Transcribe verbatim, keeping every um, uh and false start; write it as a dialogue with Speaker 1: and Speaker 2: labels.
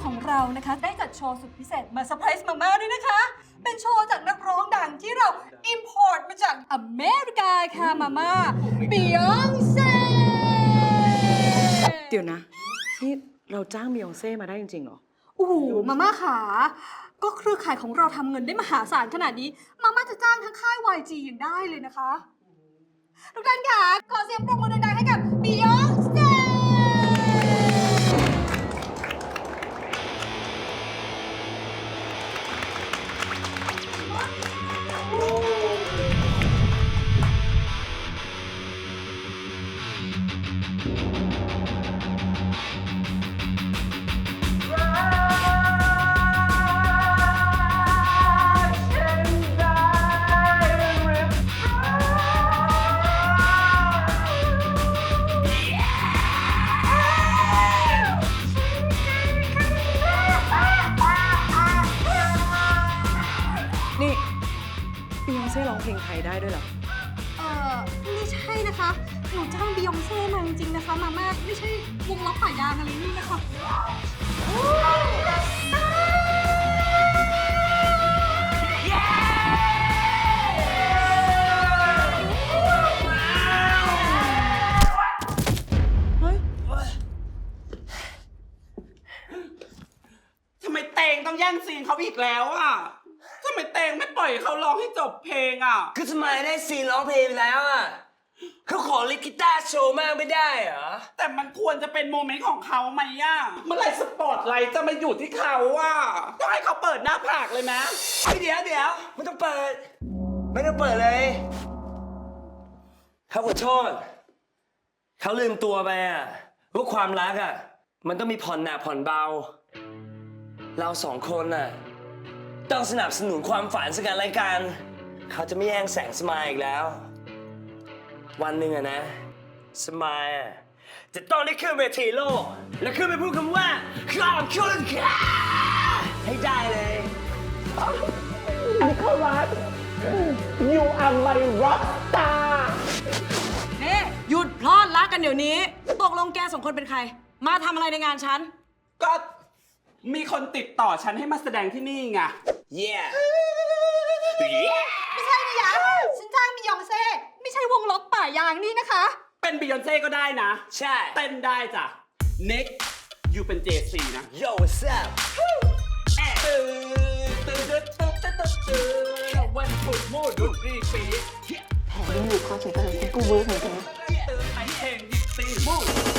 Speaker 1: ของเรานะคะได้จัดโชว์สุดพิเศษมาเซอร์ไพรส์มาม่าด้วยนะคะเป็นโชว์จากนักร้องดังที่เรา import มาจากอเมริกาค่ะมาม่า Beyonce
Speaker 2: เดี๋ยวนะนี่เราจ้างบียองเซ่มาได้จริงๆเหรอ
Speaker 1: โอ้โหมาม่าขาก็เครือข่ายของเราทำเงินได้มหาศาลขนาดนี้มาม่าจะจ้างทั้งค่าย วาย จี อย่างได้เลยนะคะทุกท่านค่ะขอเสียงปรบมือดังๆให้กับ Beyonce
Speaker 2: นี่บียองเซ่ร้องเพลงไทยได้ด้วยเหรอ
Speaker 1: เอ่อไม่ใช่นะคะหนูจ้างบียองเซ่มาจริงๆนะคะมาม่าไม่ใช่วงล็อกป่ายางอะไรนี่นะคะ
Speaker 2: เฮ้ย
Speaker 3: ทำไมเตงต้องแย่งซีนเขาอีกแล้วอ่ะทำไมเตงไม่ปล่อยเขาร้องให้จบเพลงอ่ะ
Speaker 4: คือทำไมได้ซีนร้องเพลงไปแล้วอ่ะเขาขอลิกีตาร์โชว์มากไม่ได้เหรอ
Speaker 3: แต่มันควรจะเป็นโมเมนต์ของเขาไหมอ่ะเมื่อไหร่สปอตไลท์จะมาอยู่ที่เขาอ่ะต้องให้เขาเปิดหน้าผากเลยนะ
Speaker 4: เฮ้ยเดี๋ยวเดี๋ยวไม่ต้องเปิด ไม่ต้องเปิดเลยเขาขอโทษเขาลืมตัวไปอ่ะว่าความรักอ่ะมันต้องมีผ่อนหนักผ่อนเบา เราสองคนน่ะต้องสนับสนุนความฝันซึ่งกันและกันเขาจะไม่แย่งแสงสมายอีกแล้ว วันหนึ่งอะนะสมายอะจะต้องได้ขึ้นเวทีโลก แล้วขึ้นไปพูดคำว่าขอบคุณค่ะให้ได้เลย
Speaker 2: นี่หยุดพลอดรักกันเดี๋ยวนี้ ตกลงแกสองคนเป็นใคร มาทำอะไรในงานฉัน
Speaker 3: ก็มีคนติดต่อฉันให้มาแสดงที่นี่ไง
Speaker 4: yeah
Speaker 1: ไม่ใช่นะยะฉันจ้างบียองเซ่ไม่ใช่วงล็อกป่ายางนี่นะคะ
Speaker 3: เป็นบิยอนเซ่ก็ได้นะ
Speaker 4: ใช่
Speaker 3: เต้นได้จ้ะ next อยู่เป็น เจ ซี นะ
Speaker 4: Yo what's up
Speaker 3: ตื่นตื่นตื่นตื่นตื่นตื่นตื่นวันพุธโมดุดรีปี
Speaker 5: แผนยังอยู่คอนเสิร์ตกันกูเวิร์กเหมือนกันนะ
Speaker 3: ตื่นไอเพลงยิปซีมู